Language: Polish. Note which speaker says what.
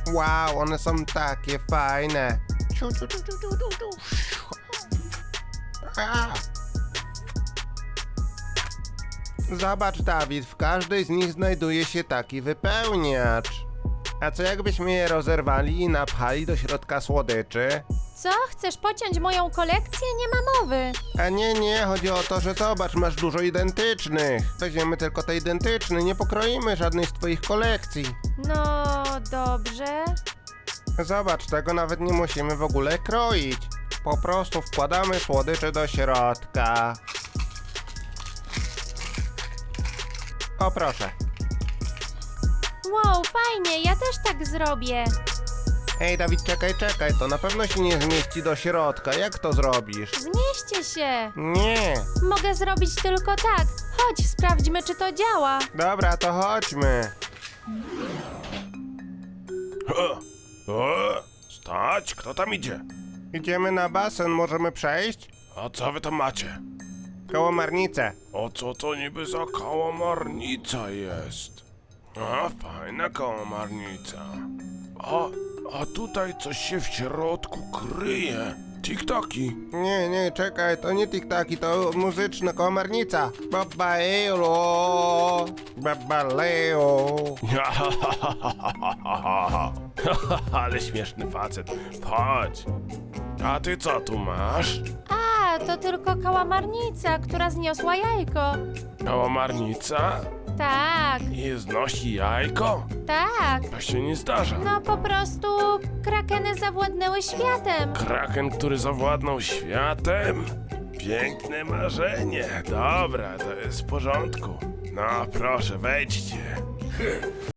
Speaker 1: Wow, one są takie fajne. Ciu, ciu, ciu, ciu, ciu, ciu, ciu. A. Zobacz, Dawid, w każdej z nich znajduje się taki wypełniacz. A co jakbyśmy je rozerwali i napchali do środka słodyczy?
Speaker 2: Co? Chcesz pociąć moją kolekcję? Nie ma mowy.
Speaker 1: A nie, chodzi o to, że zobacz, masz dużo identycznych. Weźmiemy tylko te identyczne, nie pokroimy żadnej z twoich kolekcji.
Speaker 2: No, dobrze.
Speaker 1: Zobacz, tego nawet nie musimy w ogóle kroić. Po prostu wkładamy słodycze do środka. O, proszę.
Speaker 2: Wow, fajnie, ja też tak zrobię.
Speaker 1: Ej, Dawid, czekaj, to na pewno się nie zmieści do środka. Jak to zrobisz?
Speaker 2: Zmieście się.
Speaker 1: Nie.
Speaker 2: Mogę zrobić tylko tak. Chodź, sprawdźmy, czy to działa.
Speaker 1: Dobra, to chodźmy.
Speaker 3: Stać, kto tam idzie?
Speaker 1: Idziemy na basen, możemy przejść?
Speaker 3: A co wy tam macie?
Speaker 1: Kałamarnicę.
Speaker 3: O co to niby za kałamarnica jest? A, fajna kałamarnica. A tutaj coś się w środku kryje. Tik-taki.
Speaker 1: Nie, czekaj, to nie tiktaki, to muzyczna kałamarnica. Babaelo, babaleo.
Speaker 3: Ale śmieszny facet. Chodź. A ty co tu masz?
Speaker 2: A, to tylko kałamarnica, która zniosła jajko.
Speaker 3: Kałamarnica?
Speaker 2: Tak,
Speaker 3: I znosi jajko?
Speaker 2: tak.
Speaker 3: To się nie zdarza.
Speaker 2: No po prostu krakeny zawładnęły światem.
Speaker 3: Kraken, który zawładnął światem? Piękne marzenie. Dobra, to jest w porządku. No proszę, wejdźcie.